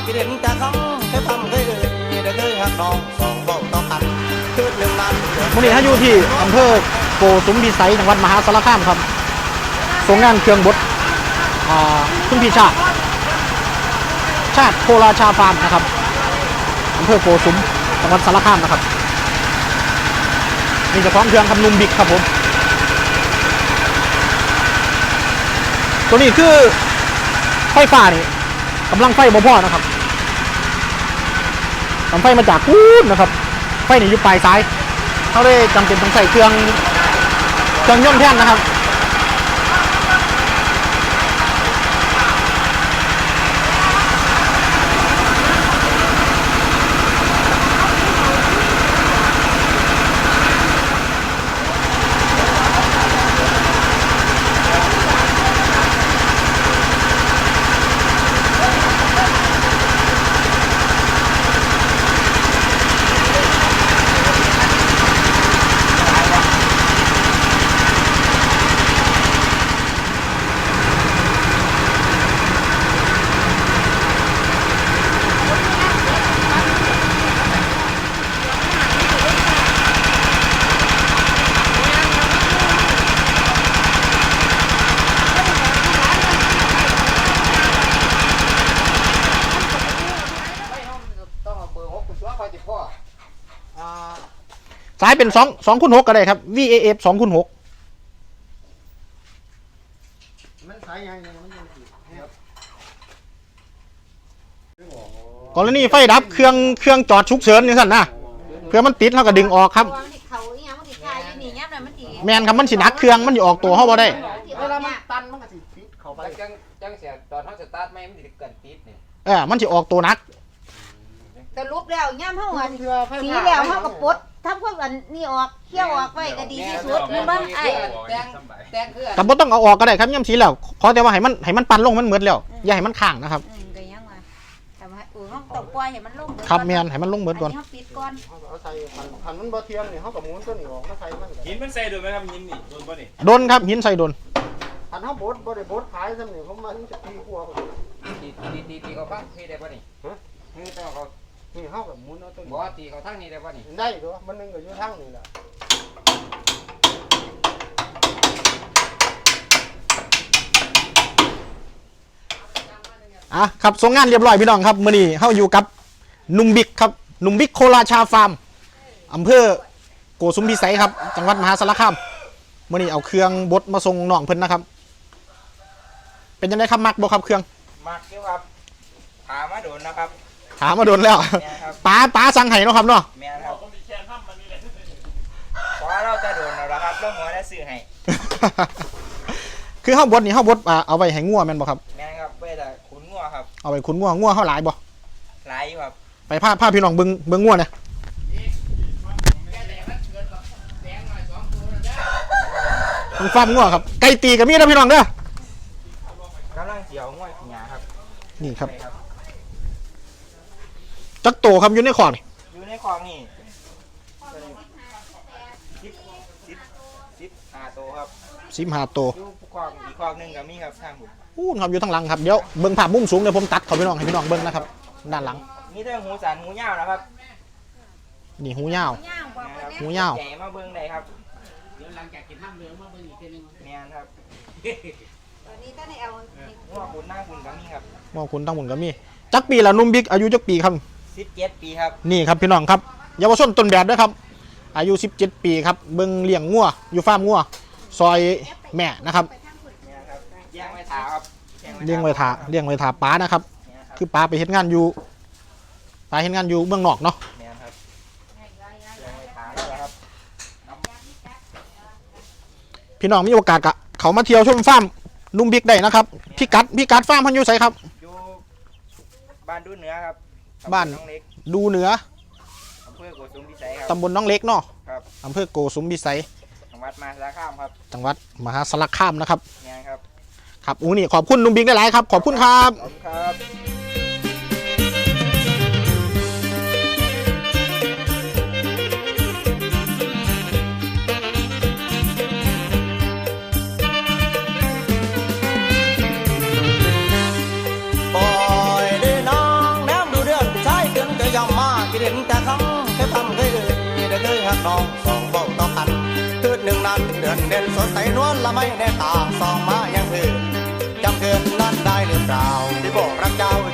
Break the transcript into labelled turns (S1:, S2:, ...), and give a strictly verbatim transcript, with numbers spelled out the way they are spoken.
S1: ที่เด่นจากคำแค่ทำเคยเอ่ยได้เคยหักน้องสองเบาต่อกันคือเรื่องนั้น
S2: วันนี้ถ้าอยู่ที่อำเภอโกสุมพิสัยจังหวัดมหาสารคามครับส่งงานเครื่องบดคุณพี่ชาติชาติโคราชาฟาร์มนะครับอำเภอโกสุมจังหวัดสารคามนะครับมีเจ้าของเครื่องคำนุ่มบิ๊กครับผมตัวนี้คือไฟฟ้านี่กำลังไฟบ่พอนะครับกำลังไฟมาจากกูนนะครับไฟนี่อยู่ปลายซ้ายเขาได้จำเป็นต้องใส่เครื่องเครื่องยนต์แทนนะครับสายเป็นสองสองคูณหกก็ได้ครับ วี เอ เอฟ สองคูณหกมันสายยังไงมันยังติดกรณีไฟดับเครื่องเครื่องจอดฉุกเฉินนี่สั่นนะเพื่อมันติดเขาก็ดึงออกครับแมนครับมันสิหนักเครื่องมันอยู่ออกตัวเขาบ่ได้เวลามันตันมันก็สิติดเข้าไปจังจังเสียตอนเขาสตาร์ทไม่มันสิเกิดติดนี่เออมันสิออกตัวหนัก
S3: แต่ลุกแล้วย่ำเท่ากันสีแล้วเท่ากับปดทำพวกอันนี่ออกเขี้ยวออกไว้ก็ดีที่สุดมันบ้างไอ้
S2: แต่บ่ต้องเอาออกก็ได้ครับย่ำสีแล้วขอแต่ว่าให้มันให้มันปั่นลงมันเหมือนแล้วอย่าให้มันข้างนะครับ
S3: ก็ยังว่าแต่ว่าอู่ห้องตกปล่อยให้มันลง
S2: ครับแมนให้มันลงเหมือนก่อน
S3: ปิดก่อน
S1: เอาใส่ขันมันบ่เทียมนี่เขากับหมุนตัวนี้ออกมาใส่มัน
S4: หินมันใส่โดนไหมครับหินนี่โดนป่ะนี่
S2: โดนครับหินใส่โดน
S1: ขันเขาบดบ่ได้บดขายซ้ำนี่ผมมันจะตีกลัว
S4: ตีตีตีตีเขาปั้งที่ได้ป่ะนี่ฮะนี่ต้องเขา
S1: นี่เขากับหมุนเอาตัวนี้
S4: บ่ตีเขาทั้งนี้ได้ป่ะนี่
S1: ได้ด้วยมันนึงก็อยู่ทั้งนี่แหละ
S2: อ่ะครับส่งงานเรียบร้อยพี่น้องครับมื้อนี้เฮาอยู่กับนุ่มบิ๊กครับนุ่มบิ๊กโคราชาฟาร์มอำเภอโกสุมพิสัยครับจังหวัดมหาสารคามมื้อนี้เอาเครื่องบดมาส่งน้องเพิ่นนะครับเป็นยังไงครับมักบ่ครับเครื่อง
S4: มักอยู่ครับถามมาโดนนะครับ
S2: ถามมาโดนแล้วป้าป้าสั่งให้เนาะครับเนาะ
S4: แม่นครับเพราะเราจะโดนแล้วครับแล้วหัวได้ซื้อให้
S2: คือเฮาบดนี่เฮาบดเอาไว้ให้งัวแม่นบ่ครับ
S4: แม่นครับไว้แต่ขุนงัวครับ
S2: เอาไว้ขุนงัวงัวเฮาหลายบ่
S4: หลายอยู่ครับ
S2: ไปพาพาพี่น้องเบิ่งเบิ่งงัวเนี่ยมันฟาร์มงัวครับไก่ตีก็มีนะพี่น้องเด้
S4: อกำลังเสียวงัวหญ้าครับ
S2: นี่ครับจักโตครับอยู่ในคอกนี่
S4: อยู่ในคอกนี่สิบสิบสิบห้าโตครับ
S2: สิบห้าโต
S4: อยู่คอกอีกคอกนึงก็มีครับทางหุ่น
S2: อู้ครับอยู่ทางหลังครับเดี๋ยวเบิ่งภาพมุมสูงเดี๋ยวผมตัดเขาพี่น้องให้พี่น้องเบิ่งนะครับด้านหลัง
S4: นี่ถ้าหูสันหูยาวนะครับ
S2: นี่หูยาวหูยาว
S4: ใหญ่มาเบิ่งได้ครับเดี๋ยวหลังจากกินห้ามเรือมาเบิ่งอีกทีนึงแม่นครับ
S3: ตอนนี้ถ้าในเอา
S4: หัวคุณหน้าคุณก็มีครับ
S2: หัวคุณทั้งหมดก็มีจักปีละนุ่มบิ๊กอายุจักปีครับ
S4: สิบเจ็ดปีครับ
S2: นี่ครับพี่น้องครับเยาวชนต้นแบบด้วยครับอายุสิบเจ็ดปีครับเบิ่งเลี้ยงงัวอยู่ฟาร์มงัวซอยแม่นะครับ
S4: เลี้ยงไว้ถาครับ
S2: เลี้ยงไว้ถาเลี้ยงไว้ถาป้านะครับคือป้าไปเฮ็ดงานอยู่ป้าเฮ็ดงานอยู่เมืองนอกเนาะพี่น้องมีโอกาสกะเขามาเที่ยวชมฟาร์มนุ่มบิ๊กได้นะครับพี่กัดพี่กัดฟาร์มพันอยู่ไสครับ
S4: อยู่บ้านดูเหนือครับ
S2: บ้านดูเหนือ
S4: อำเภอโกสุมพิสัยครับ
S2: ตำบลน้องเล็กเนาะ
S4: ครับ
S2: อำเภอโกสุมพิสัย
S4: จังหวัดมหาสารคามครับ
S2: จังหวัดมหาสารคามนะครับ
S4: เนี่ยครับ
S2: ครับอู้นี่ขอบคุณนุ่มบิ๊กได้หลายครับขอบคุณครับ
S4: ขอบคุณครับ
S1: ยหักน้องสองเบ้าต่อกันคืนหนึ่งนั้นเดือนเด่นสดใสนวลละไม่แน่ตาสองมายังคือจำเกินนั้นได้หรือเปล่าที่บอกรักเจ้า